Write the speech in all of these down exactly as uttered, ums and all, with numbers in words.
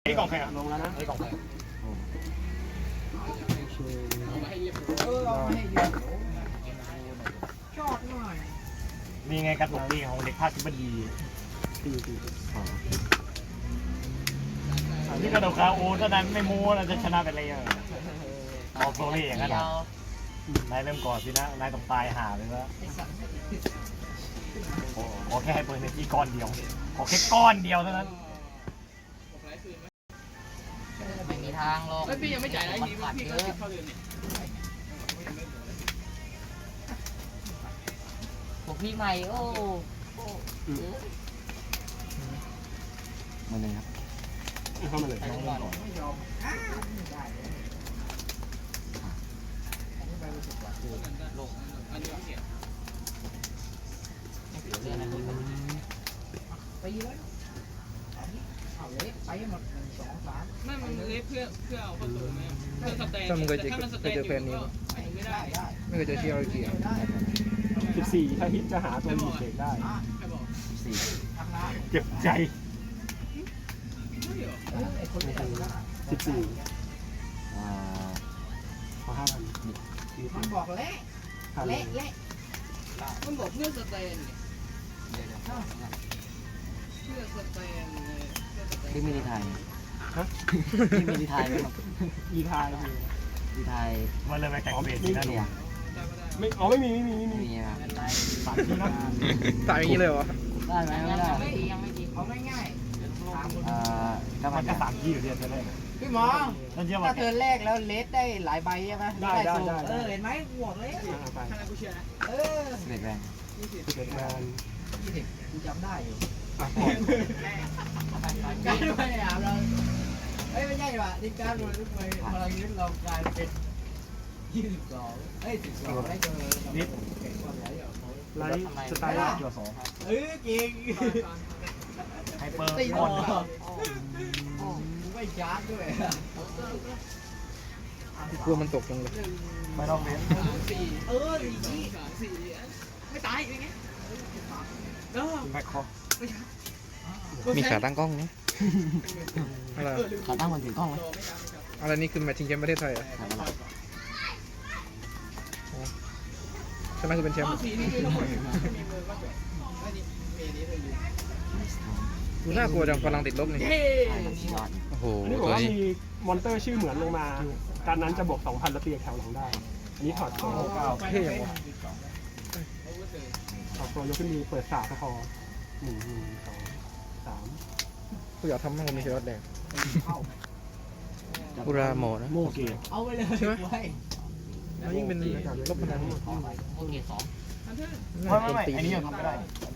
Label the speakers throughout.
Speaker 1: นี่กล่องใครอ่ะลงแล้วนะนี่กล่องใครเออเอาให้เยอะชอบหน่อยนี่ไงกระตุกนี่ของเด็กภาคทิบดีตีตีนี่กระโดดคาโอเท่านั้นไม่มูเราจะชนะเป็นอะไรอย่างออกโซลี่อย่างนั้นนายเริ่มก่อนสินะนายต้องตายหาเลยว่าขอแค่ให้เปิดในที่ก้อนเดียวขอแค่ก้อนเดียวเท่านั้น
Speaker 2: ไม่มีทางลง
Speaker 3: พี่ยังไม่จ่ายอะไรพี่พี่ก็ติดเข้าเดือนเนี่ย
Speaker 2: พวกพี่ใหม่โอ้
Speaker 1: มาเลยครับเข้ามาเลยน้องก่อน
Speaker 3: ลงอันนี้เสีย
Speaker 2: ไปเลยเอาเลยไปหมดหนึ่งสองสาม
Speaker 3: ไม่มันเล็บเพื่อเพื่อเอาประตูไหมเพื่อสแตนแต่ถ้ามันสแตนอยู่ก็ไม่ได้
Speaker 4: ไม่เคยเจอเชียร์เกียร์
Speaker 1: สิบสี่ถ้าฮิตจะหาตัวมีเบรกได้สี่เก็บใจสิบสี่อ่าพอห้าพัน
Speaker 2: มันบอกเละเละเละ
Speaker 3: มันบอกเพื่อสแตนเพื่อสแตน
Speaker 2: ที่มินิไทย
Speaker 1: ฮะ
Speaker 2: ที่มินิไทยไหมครับ
Speaker 1: อีไทย
Speaker 2: อีไทย
Speaker 1: มันเลยไปแต่งเบสนั่นเนี่ยไม่
Speaker 2: อ๋
Speaker 1: อไม่มีไม่มีไม่มี
Speaker 2: สาม
Speaker 1: ที่นะ
Speaker 4: สามอย่างนี้เลยวะ
Speaker 2: ได้ไหมไม่ได้ยังไม่ดีเอาง่ายๆอ่า
Speaker 1: ก็มันจะสามที่อยู่เดียวจะแรก
Speaker 2: พี่หมอถ้าเธอแรกแล้วเลสได้หลายใบใช่ไหม
Speaker 1: ได้ได้ได้
Speaker 2: เออเห็นไหมบวกเลยเออ
Speaker 4: เด็กแรง
Speaker 1: เด็กแรง
Speaker 2: ยี่สิบกูจำได้อยู่การไม่อาบเราเฮ้ยไม่ใช่ว่ะที่การเราทุกคนพลังยึดเรากลายเป็นยี่สิบสองเอ้ยสิบสองได้เจอนิด
Speaker 1: ไลท์สไตล์จั่วสอง
Speaker 2: เออเก่ง
Speaker 1: ไฮเปอร์
Speaker 2: บอลไม่ชาร์จด้วย
Speaker 4: กลัวมันตกจังเลย
Speaker 1: ไม่ต้องเล่น
Speaker 3: สี่เออสี่สามสี่ไม่ตายยังไง
Speaker 1: เออแบ็คคอ
Speaker 4: มีขาตั้งกล้องนี่อะไร
Speaker 2: ขาตั้งมันถือกล้องไหม
Speaker 4: อะไรนี่คือแมทชิงแชมป์ประเทศไทยอ่ะใช่ไหมคือเป็นแชมป์ดูน่ากลัวจังพลังติดลบนี่โอ้โห
Speaker 1: นี่บอกว่ามีมอนเตอร์ชื่อเหมือนลงมาการนั้นจะบวกสองพันแล้วตีแถวหลังได้อันนี้ถอดตัวเก้า
Speaker 4: เท่ยังวะ
Speaker 1: ถอดตัวยกขึ้นมือเปิดสาพอหนึ่งหนึ่งสองสาม
Speaker 4: กูอยากทำให้มันมีเชื้อแดงอุราโมนะ
Speaker 1: โมเก
Speaker 2: เอาไปเลย
Speaker 4: ใช่ไหมแล้วยิ่งเป็นลบพลัง
Speaker 2: โอเคสอง
Speaker 1: ไม่ไม่ไม่อันนี้ยังทำไม่ได้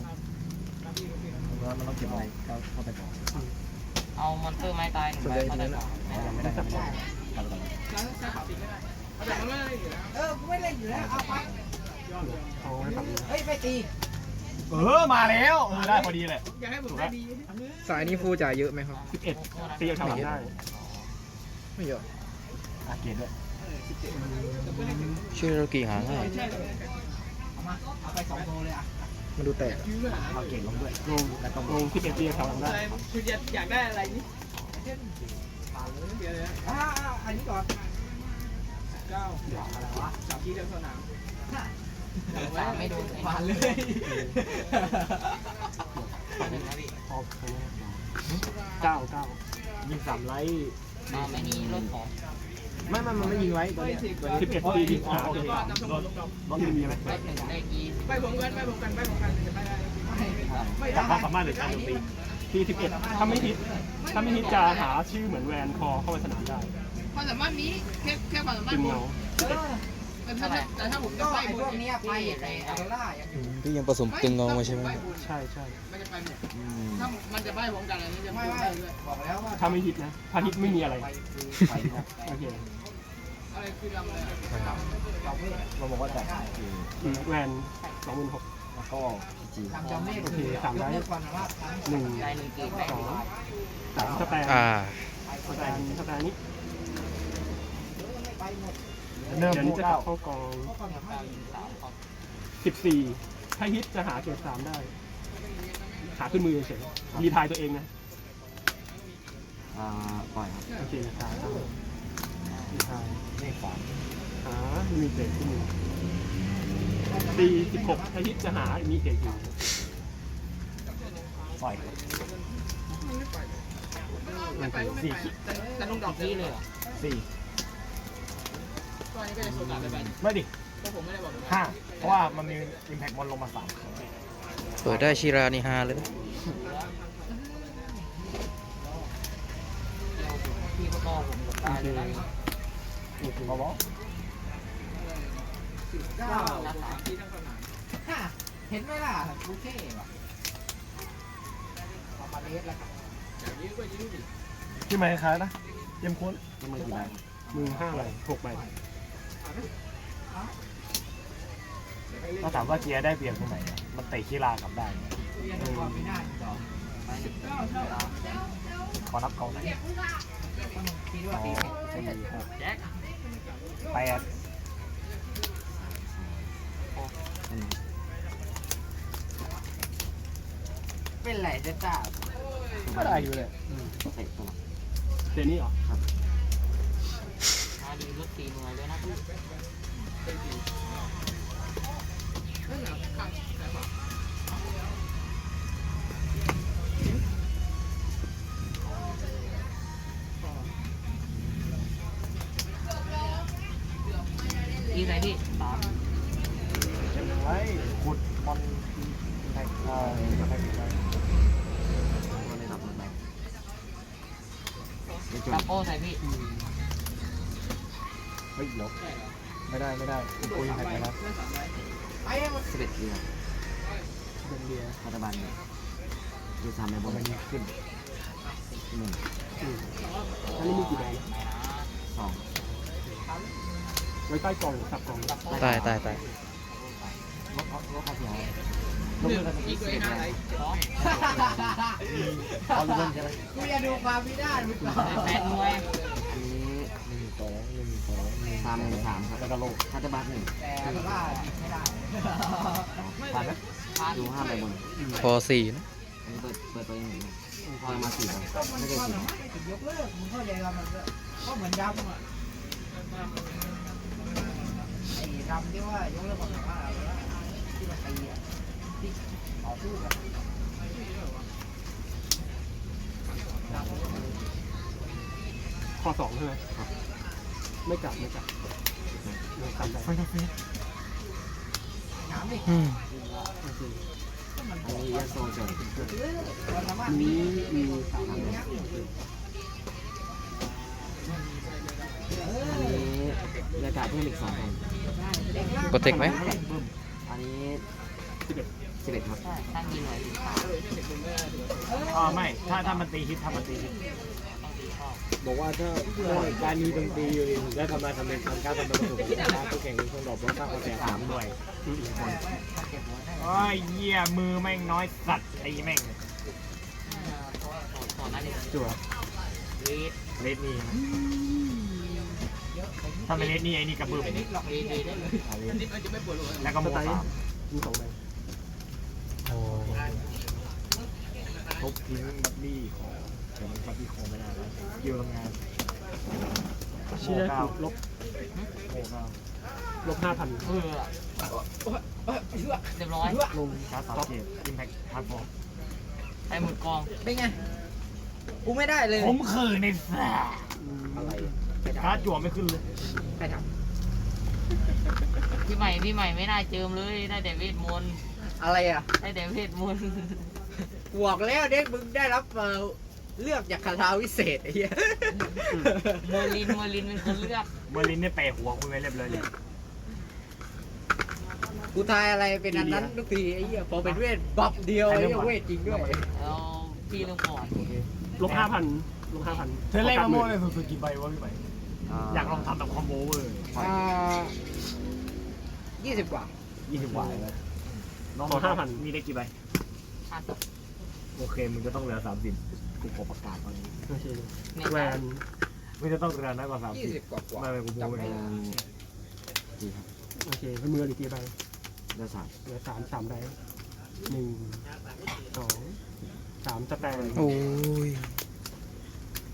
Speaker 1: มันต้องเก็บอะไรเข้าไปก่อน
Speaker 2: เอามอนเตอร์ไม้ตายหนึ่งใบเข้าไปก่อน
Speaker 1: ยังไม่ได้ทำได้
Speaker 3: ใช้ขาวติดไม่ได้แต่มันไม่ได้อยู่แล้ว
Speaker 2: เออไม่เล่นอยู่แล้วเอาไป
Speaker 1: เอาให้ทำ
Speaker 2: เฮ้ยไปตี
Speaker 1: เออมาแล้วเออได้พอดีเลย
Speaker 3: อยากให้ผมได้ดี
Speaker 4: สายนี้ฟูจ่ายเยอะไหมครับ
Speaker 1: สิบเอ็ดตีเอาทำได้
Speaker 4: ไม่เยอะ
Speaker 1: อาเกตด้วย
Speaker 4: ชื่อเรากี่หางให้
Speaker 2: เอามาเอาไปสองโลเลยอ่ะ
Speaker 4: มันดูแตก
Speaker 1: เอาเกตลงด้วยลงแล้วก็ลงสิบเอ็ดตีเอาทำได้
Speaker 3: คืออยากได้อะไรนี่
Speaker 2: อ่าอันนี้ก่อน
Speaker 3: เก้าอะไรวะสามที่เดินสนาม
Speaker 2: สามไม่โดนผ่านเลย
Speaker 1: เก้าเก้ายิงสามไลท์
Speaker 2: ไม่มีรถของ
Speaker 1: ไม่ไม่มันไม่ยิงไว้ตัวนี้สิบเอ็ดตีที่ขาเลยรถรถมีไหม
Speaker 2: ได้หนึ่งได้กี่
Speaker 3: ไปผมกันไปผมกันไปผมกันจะไปได้
Speaker 1: ไม่ได้ความสามารถหรือการโจมตีทีสิบเอ็ดถ้าไม่ฮิตถ้าไม่ฮิตจะหาชื่อเหมือนแวนคอเข้าไปสนามได้
Speaker 3: ความสามารถนี้แค่แค่ความสามารถผมแต่ถ้าแต่ถ้าผมจะไป
Speaker 2: พวกนี้ไปในอัลล่า
Speaker 4: ที่ยังผสมตึงงอมาใช่ไหม
Speaker 1: ใช่ใช่
Speaker 3: มันจะไปหมดถ้ามันจะไปผมกันอะไรนี้จะ
Speaker 2: ไม่ไม่บอกแล้วว่า
Speaker 1: ถ้าไม่ฮิตนะถ้าฮิตไม่มีอะไรโอเค
Speaker 3: อะไรคือทำอะไร
Speaker 1: เราบอกว่าแต่แวนสองหมื่นหก
Speaker 2: แล้วก็จี
Speaker 1: โอเคสามได้หนึ่งสองสามสแตนสแตนสแตนนี้เดี๋ยวนี้จะเข้ากองสิบสี่ถ้าฮิตจะหาเกรดสามได้หาขึ้นมือเฉยรีทายตัวเองนะ
Speaker 2: อ่าปล่อยครับ
Speaker 1: โอเคขาตั้งมีทายเลขสามหามีเศษที่มือตีสิบหกอาทิตย์จะหามีเศษอยู่ปล่อยมันเป็นสี่
Speaker 3: แต่ต้องดอกนี้เลยเหรอ
Speaker 1: สี่
Speaker 3: ตอนนี้ก็จะโซกาไปไป
Speaker 1: ไม่ดิ
Speaker 3: เพราะผมไม่ได้บอก
Speaker 1: ห้าเพราะว่ามันมีอิมแพคมอนลงมาสาม
Speaker 4: เปิดได้ชิรานี่ฮาเลยนะ
Speaker 3: พี่ก็บอกผมตายเลยนะ
Speaker 1: บอบอ
Speaker 2: เก้าฮ่าเห็นไหมล่ะกูเท่ว่ะเอามาเลสแล้วครับ
Speaker 1: ที่ไหนคล้ายนะเยี่ยมค้น
Speaker 2: นี่มือกี่ใบ
Speaker 1: มือห้าใบหกใบถ้าถามว่าเกียร์ได้เปรียบตรงไหนอะมันเตะคีรากลับได้ไง
Speaker 2: เรียนก่อนไม่ได้ต่อ
Speaker 1: ขอนับกองไหน
Speaker 2: คิด
Speaker 1: ส
Speaker 2: ว่า
Speaker 1: อง
Speaker 2: ตี
Speaker 1: สี่หก
Speaker 3: แจ็ค
Speaker 1: แปด
Speaker 2: เป็นไรจะจ้า
Speaker 1: ก็ได้อยู่เลย
Speaker 2: เตะตัว
Speaker 1: เจนี่เหรอ
Speaker 3: มาดีรถตีมือเลยนะพี่อีไหนพี่สาม
Speaker 1: เก็บไว้ขุดมอนแท็กเอ่อแท็กไป
Speaker 2: ก็เลยรับมันไป
Speaker 3: ตาโป้ใส่พี่
Speaker 1: เฮ้ยลบไม่ได้ไม่ได้คุยแท็กไปแล้ว
Speaker 2: ไอ้มัน
Speaker 5: สิบเอ็ดเดือน
Speaker 1: เป็นเบียร์
Speaker 5: รัฐบาลเนี่ยดูสามในบน
Speaker 1: มันขึ้น
Speaker 5: หนึ่ง
Speaker 1: อันนี้มีกี่ใบ
Speaker 5: สอง
Speaker 1: ไว้ใต้กล่องสับกล่อง
Speaker 4: ตายตายตาย
Speaker 5: ลบลบค่าเสียหาย
Speaker 1: ลงมือกัน
Speaker 3: อีกเลยห้าไรสอง
Speaker 1: เอาลูกใช่ไหม
Speaker 2: กูจะดูความพินาศมึงก่อน
Speaker 3: แปดหน่วย
Speaker 5: อันนี้
Speaker 1: หนึ่งสองหนึ่งสองหนึ่ง
Speaker 5: สามหนึ่งสามครับ
Speaker 1: แล้วก็โลก
Speaker 5: รัฐบาลหนึ่ง
Speaker 2: แต่ว่าไม่ได้
Speaker 1: ผ่านไหม
Speaker 5: ดูห้าใบบน
Speaker 4: พอสี่นะ
Speaker 5: อันนี้เปิดเปิดตัวเองหนึ่งพอมาสี่ใบ
Speaker 2: ก็มัน
Speaker 5: ไม่ได้
Speaker 2: ก็
Speaker 5: สี่
Speaker 2: ไม่ถึงยกเลิกมึงเข้าใจว่ามันก็เหมือนดำอ่ะไอ้ดำที่ว่ายกเลิกความสามารถอะไรวะที่มันตีอ่ะที่ต่อสู้กัน
Speaker 1: ข้อสองใช่ไหมครับไม่กลับไม่กลับไม่กลับไป
Speaker 2: ถามดิ
Speaker 4: อืม
Speaker 1: โอเค
Speaker 2: มัน
Speaker 5: อันนี้ยาโซเจอ
Speaker 2: ความสามารถ
Speaker 1: มีมีสาม
Speaker 2: อัน
Speaker 1: อัน
Speaker 2: นี้
Speaker 5: อันนี้บรรยากาศเพิ่มอีกสองพัน
Speaker 4: กดเทคไหม
Speaker 5: อันนี้
Speaker 1: สิบเอ็ด
Speaker 5: สิบเอ็ดครับ
Speaker 3: ตั้งยิงหน่อย
Speaker 1: อ๋อไม่ถ้าถ้ามันตีฮิตถ้ามันตีฮิตบอกว่าถ้าการมีดนตรีอยู่และทำลายทำเป็นทำการทำเป็นประสบการณ์ผู้แข่งเป็นคนดอกแล้วสร้างกระแสสามด้วยอีกคนโอ้ยเหี้ยมือแม่งน้อยสัตว์ไอ้แม่ง
Speaker 3: ต่อหน้าเด็ก
Speaker 1: จั่ว
Speaker 3: เลด
Speaker 1: เลดนี่ถ้าเป็นเลดนี่ไอ้นี่กระเบื้อง
Speaker 3: เลดได้เลยนิดมันจะไม่ปวดหัว
Speaker 1: แล้วก็โมสามมีสองใบโอ้ทุบทิ้งบัตตี้ของเดี๋ยวมันบัตตี้ของไม่ได้แล้วยิวทำงานโมเก้าลบโมเก้าลบห้าพัน
Speaker 3: เออเรียบร้อย
Speaker 1: ลงชาร์จสามเกตอิมแพคทาร์ฟอร์
Speaker 3: ใส่หมดกอง
Speaker 2: เป็นไงกูไม่ได้เลย
Speaker 1: ผมคือในแฟร์ชาร์จจั่วไม่ขึ้นเลย
Speaker 2: ใครท
Speaker 3: พี่ใหม่พี่ใหม่ไม่น่าเจิมเลยได้แต่เวทมนต์
Speaker 2: ำอะไรอ่ะ
Speaker 3: ได้แต่เวทมนต์
Speaker 2: บอกแล้วเด็กมึงได้รับเอ่อเลือกจากคาถาวิเศษไอ้เหี้ย
Speaker 3: เมอร์ลินเมอร์ลินเป็นคนเลือก
Speaker 1: เมอร์ลินเนี่ยเปะหัวคุณไว้เรียบร้อยเลย
Speaker 2: กูทายอะไรเป็นอันนั้นทุกทีไอ้เหี้ยพอเป็นเวทบัฟเดียวไอ้เหี้ยเวทจริงด้วย
Speaker 3: แล้วพี่เรื่องก่อน
Speaker 1: ลบห้าพันลบห้าพันเธอเล่นมาโม่เลยสุดๆกี่ใบวะพี่ใหม่อยากลองทำแบบคอมโบเวอร์
Speaker 2: อ่ายี่สิบกว่า
Speaker 1: ยี่สิบกว่าเลยน้องห้าพันมีได้กี่ใบ
Speaker 3: ห้าสิบ
Speaker 1: โอเคมึงจะต้องเหลือสามสิบกูขอประกาศตอนนี้
Speaker 3: แหวน
Speaker 1: มึงจะต้องเหลือน้อยกว่าสาม
Speaker 2: ยี่
Speaker 1: สิ
Speaker 2: สิ
Speaker 1: บบ
Speaker 2: กว่ากว่า
Speaker 1: ไม่ไม่กูโม้ไม่
Speaker 5: เป็
Speaker 1: ได้
Speaker 5: นสี่ครับ
Speaker 1: โอเคเพื่อมืออีกกี่ใบ
Speaker 5: เดือนสาม
Speaker 1: เหลือสามสามใบหนึ่งสองสามสแตน
Speaker 4: โอ้ย
Speaker 1: หนึ่งสองสามสี่ห้าหกเจ็ดแปดเก้าสิบสิบเอ็ดสิบสองสิบสามสิบสี่สิบห้าสิบหกสิบเจ็ดสิบแปดสิบเก้ายี่สิบยี่สิบเอ็ดยี่สิบสองยี่สิบสามยี่สิบสี่ยี่สิบห้ายี่สิบหกยี่สิบเจ็ดยี่สิบแปดยี่สิบเก้ายี่สิบ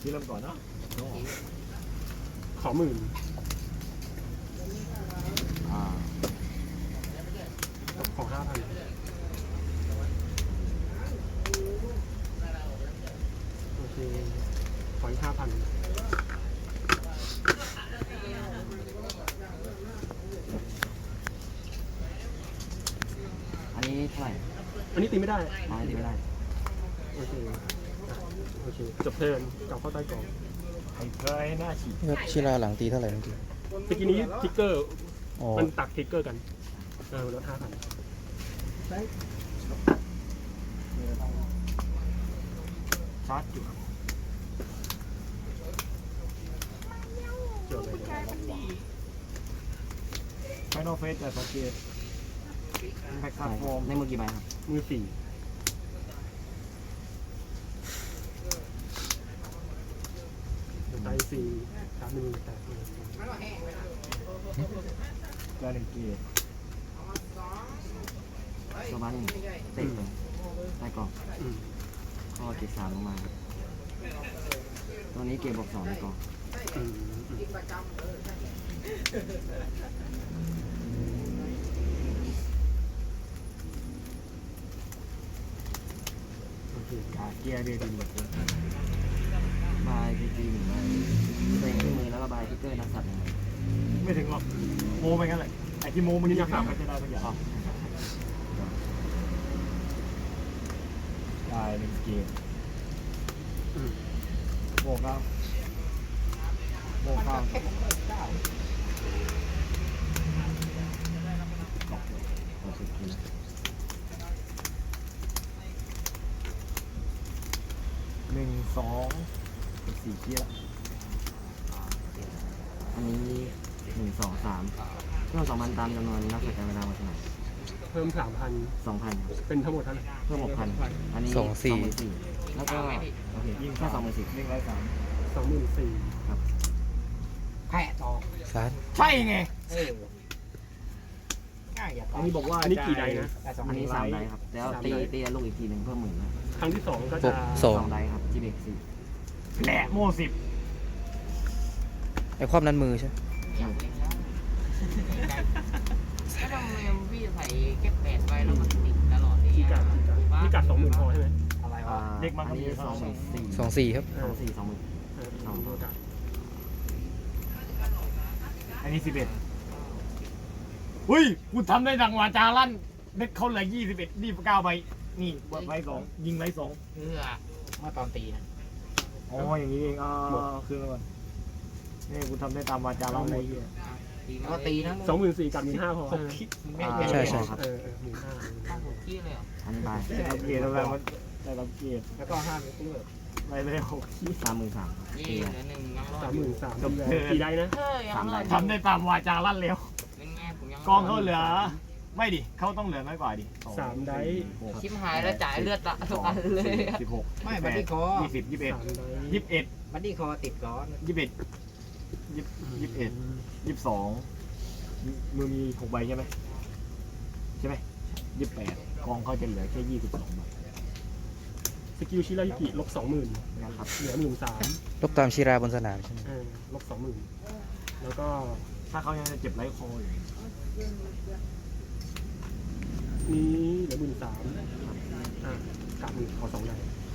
Speaker 1: ที่เริ่มก่อนเนาะ
Speaker 5: ขอหมื่น
Speaker 4: อ่า
Speaker 5: ขอห้าพันโอเคขออีกห้าพัน
Speaker 4: อันนี้เท่าไหร่
Speaker 5: อันนี้ตีไม่ได้
Speaker 4: อ๋อตีไม่ได้
Speaker 5: โอเคอ่ะโอเคจบเทิร์นกลับเข้าใต้กล่อง
Speaker 1: ไอ้เคยหน้าฉีด
Speaker 4: ครับชิราหลังตีเท่าไหร่เมื่อกี้
Speaker 5: ตะกี้นี้ทิกเกอร์
Speaker 4: อ๋อ
Speaker 5: มันตักทิกเกอร์กันเออลดห้าพัน
Speaker 1: ชาร์จอยู่
Speaker 5: จบเลย
Speaker 1: ไฟนอลเฟสแต่สังเกตแพ็กซ์ฟอร์ม
Speaker 4: ในมือกี่ใบครับ
Speaker 5: มือสี่ไตสี่สามหนึ่งแปดหนึ่ง
Speaker 1: การหนึ่งเกียร์
Speaker 4: ตัวบ้านหนึ่งเต็มเลยใต้กล่อง
Speaker 5: อืม
Speaker 4: ข้อเจ็ดสามลงมาครับตัวนี้เกมบอกสองในกล่อง
Speaker 5: อืมอืม
Speaker 1: โอเคการเกียร์เดียดินหมดเลย
Speaker 4: บายพีจีหนึ่งใบตัวเองขึ้นมือแล้วก็บายทิกเกอร์นักสัตว์หนึ่งใบ
Speaker 1: ไม่ถึงหรอกโมไปงั้นแหละไอ้ที่โมมันนี่ยังหาไม่ได้สักอย่างได้หนึ่งเกียร์
Speaker 5: อืม
Speaker 1: โมก้าโมก้า
Speaker 4: หกสิบกิโล
Speaker 1: หนึ่งสองสี่เกียร์
Speaker 4: อันนี้หนึ่งสองสามเพิ่มสองพันตามจำนวนนักสัตว์การเวลามาเท่าไหร่
Speaker 5: เพิ่มสามพัน
Speaker 4: สองพัน
Speaker 5: เป็นทั้งหมดเท่าไหร่
Speaker 4: เพิ่มหกพันอันนี้
Speaker 1: สองสี่
Speaker 4: หมื่นสี่แล้วก็โอเคยิ่งแค่สองหมื่นสี่
Speaker 1: เรียกไรสาม
Speaker 5: สองหมื่นสี่
Speaker 4: ครับ
Speaker 2: แค่ต่อ
Speaker 4: ซาร์
Speaker 1: ใช่ไง
Speaker 2: เออง่ายอย่า
Speaker 1: อันนี้บอกว่า
Speaker 5: อันนี้กี่ใดนะ
Speaker 2: แต่สอง
Speaker 4: อันนี้สามได
Speaker 1: ไลท์
Speaker 4: ครับแล้วตีตีลูกอีกทีหนึ่งเพิ่มหมื่นนะ
Speaker 5: ครั้งที่สองก็จะ
Speaker 4: สองไดครับจีเบกสี่
Speaker 1: แหละโม่สิบ
Speaker 4: ไอความนั้นมือใช่
Speaker 3: ก็ทำไมพี่ใส่แค่แปดใบแล้วมันติดตลอดเลย
Speaker 5: ที่กัดที่กัดที่กัดสองหมื่นพอใช่ไหม
Speaker 2: อะไรวะ
Speaker 1: เด็กมัน
Speaker 4: อั
Speaker 1: ก็
Speaker 4: น
Speaker 1: มี
Speaker 4: นี้สองหมื่นสี่
Speaker 1: สองสี่ครับ
Speaker 4: สองสี่สองหมื่น
Speaker 5: เออสองหมื่นกัด
Speaker 1: อันนี้สิบเอ็ดอุ้ยกูทำได้ดังวาจาลั่นเด็กเขาเหลือยี่สิบเอ็ดนี่เก้าใบนี่ใบสองยิงใบสอง
Speaker 3: เพื่อ
Speaker 2: เมื่อตอนตีนะ
Speaker 1: อ๋ออย่างนี้เองอ่าคือก่อนนี่กูทำได้ตามวาจาลั่นเลยเฮีย
Speaker 3: ตีมา
Speaker 2: ก็ตีนะ
Speaker 5: สองหมื่นสี่กัดหมื่นห้าพอ
Speaker 4: ใช่ใช่ครับ
Speaker 5: เออเออหมื่นห้า
Speaker 3: ตั้งหกขี้เลยเหรอ
Speaker 4: อันนี้บาย
Speaker 1: ได้รับเกียรติแล้วมันได้รับเกียรติ
Speaker 2: แล้วก็ห้ามตู้
Speaker 1: ไปเลยหกขี้
Speaker 4: สามหมื่นสาม
Speaker 3: ยี่เหลือหนึ่งยังรอ
Speaker 5: สา
Speaker 3: ด
Speaker 5: มหมื่นสามกี่ได้นะ
Speaker 3: เฮ้ยยังรอด
Speaker 1: ทำได้ตามวาจาลั่นแล้ว
Speaker 3: เป็นไงผมยัง
Speaker 1: กองเขาเหลือ ไม่ดิเขาต้องเหลือน้อยกว่าดิ
Speaker 5: สามได
Speaker 3: ชิมหายแล้วจ่ายเลือดละทุกอันเลย
Speaker 1: สิบหก
Speaker 2: ไม่บัดดี้คอ
Speaker 1: ยี่สิบยี่สิบเอ็ด
Speaker 5: สามได
Speaker 1: ยี่สิบเอ็ด
Speaker 2: บัดดี้คอติดก้อน
Speaker 1: ยี่สิบเอ็ดยี่สิบเอ็ดยี่สิบสองมือมีหกใบใช่ไหมใช่ไหมยี่สิบแปดกองเขาจะเหลือแค่ยี่สิบสองใบ
Speaker 5: สกิลชิรายุกิลบสองหมื่น
Speaker 1: นะครับ
Speaker 5: เหลือหมื่นสาม
Speaker 4: ลบตามชิราบนสนามใช่ไหม
Speaker 5: เออลบสองหมื่นแล้วก็
Speaker 1: ถ้าเขายังจะเจ็บไร้คออยู่
Speaker 5: นี้เหลือหมื่นสามอ่ะกลับหมื่นขอสองได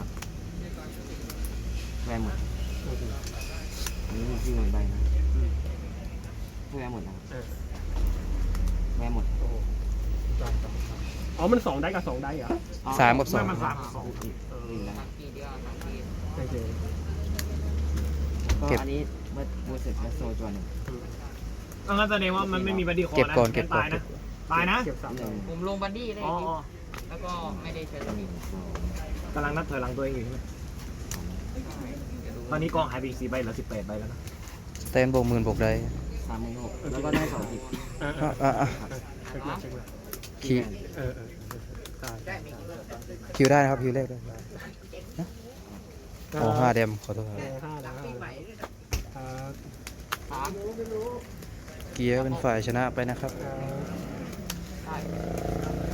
Speaker 4: แวร์หมด
Speaker 5: โอเค
Speaker 4: อันนี้มีที่หมื่นใบนะ
Speaker 5: อืม
Speaker 4: แวร์หมดนะครับ
Speaker 5: เออ
Speaker 4: แวร์หมด
Speaker 5: โอ้โหได้ต่ออ๋อมันสองได้กับสองได้เหรอ
Speaker 4: สามกับสอง
Speaker 1: ไม่มันสามกับสอง
Speaker 5: เออ
Speaker 4: ดีแล้ว
Speaker 3: ทำทีเดียวทำที
Speaker 5: โอเค
Speaker 4: ก็เก็บอันนี้เมื่อเมื่อเสร็จแล้วโซจวนหนึ่ง
Speaker 5: อืม
Speaker 1: อันนั้นแสดงว่ามันไม่มีบัดดี้คอ
Speaker 4: เก็บ
Speaker 1: นะ
Speaker 4: ก่อนเก็บก่อน
Speaker 1: ตายนะตายนะ
Speaker 5: เก็บสาม
Speaker 4: หนึ่ง
Speaker 3: ผมลงบัดดี้ได้
Speaker 1: อ๋อ
Speaker 3: แล้วก็ไม่ได้ใช้ส
Speaker 4: ห
Speaker 3: มิ
Speaker 4: นึ่
Speaker 3: ธ
Speaker 4: งสอง
Speaker 1: กำลังนับถอยหลังตัวเองอยู่ใช่ไหมตอนนี้กองหายไปอีกสี่ใบเหลือสิบแปดใบแล้วนะ
Speaker 4: สแตนบวกหมื่นบวกได้ สามหมื่นหกแล้วก็ได้สองทิป
Speaker 5: อ่ะ
Speaker 4: อ่ะ
Speaker 5: อ่ะ
Speaker 4: อ่ะอ่ะ
Speaker 5: เช็คมาเช็คมา
Speaker 4: คิว
Speaker 5: เออเออเออได้
Speaker 4: คิวได้นะครับคิวเลขได้โอ้ห้าเดมขอโทษค
Speaker 5: เอ
Speaker 4: รับ
Speaker 5: อห้าแล้วอ่า
Speaker 3: สาม
Speaker 4: เกียร์เป็นฝ่ายชนะไปนะครับ
Speaker 5: อ่า
Speaker 3: ได้